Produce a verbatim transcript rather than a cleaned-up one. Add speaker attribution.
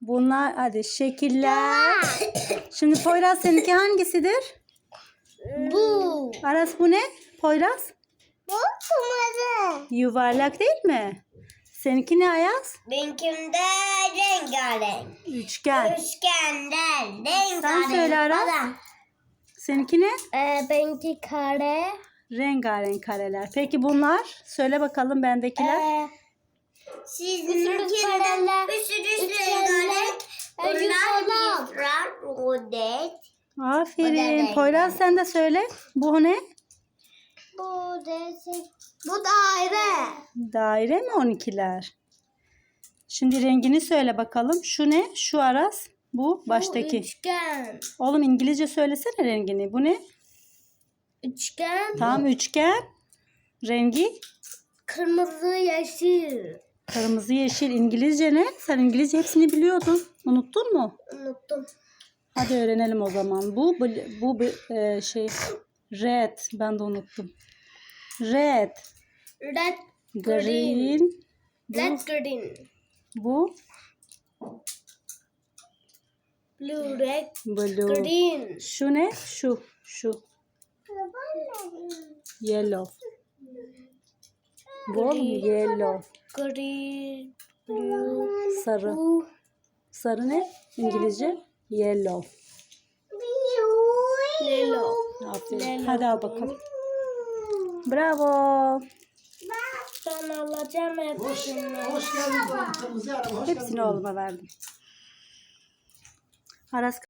Speaker 1: Bunlar hadi şekiller. Şimdi Poyraz seninki hangisidir?
Speaker 2: Bu.
Speaker 1: Aras bu ne? Poyraz?
Speaker 2: Bu kırmızı.
Speaker 1: Yuvarlak değil mi? Seninki ne Ayaz?
Speaker 2: Benimkinde rengarenk.
Speaker 1: Üçgen.
Speaker 2: Üçgende rengarenk.
Speaker 1: Sen söyle Aras. Seninki ne?
Speaker 2: Ee, benimki kare.
Speaker 1: Rengarenk kareler. Peki bunlar? Söyle bakalım bendekiler.
Speaker 2: Ee, Sizinkinde bir sürü rengarenk. Bunlar yıpran, rodet.
Speaker 1: Aferin.
Speaker 2: renk.
Speaker 1: Poyraz sen de söyle. Bu ne?
Speaker 2: Bu desek. Bu daire.
Speaker 1: Daire mi on ikiler? Şimdi rengini söyle bakalım. Şu ne? Şu Aras. Bu baştaki.
Speaker 2: Bu üçgen.
Speaker 1: Oğlum İngilizce söylesene rengini. Bu ne?
Speaker 2: Üçgen.
Speaker 1: Tam üçgen. Rengi
Speaker 2: Kırmızı, yeşil.
Speaker 1: kırmızı, yeşil. İngilizce ne? Sen İngilizce hepsini biliyordun. Unuttun mu?
Speaker 2: Unuttum.
Speaker 1: Hadi öğrenelim o zaman. Bu bl- bu bu, e, şey red. Ben de unuttum. Red,
Speaker 2: Red,
Speaker 1: green. Bu,
Speaker 2: red, green.
Speaker 1: bu
Speaker 2: Blue, red,
Speaker 1: blue.
Speaker 2: green.
Speaker 1: Şu ne? Şu, şu. Yellow. Bu yellow.
Speaker 2: Green, blue,
Speaker 1: Sarı.
Speaker 2: blue.
Speaker 1: Sarı ne? İngilizce yellow.
Speaker 2: Yellow.
Speaker 1: Aferin. Hadi al bakalım. Bravo.
Speaker 2: Ben alacağım hepsini.
Speaker 1: Hepsini oğluma verdim. Aras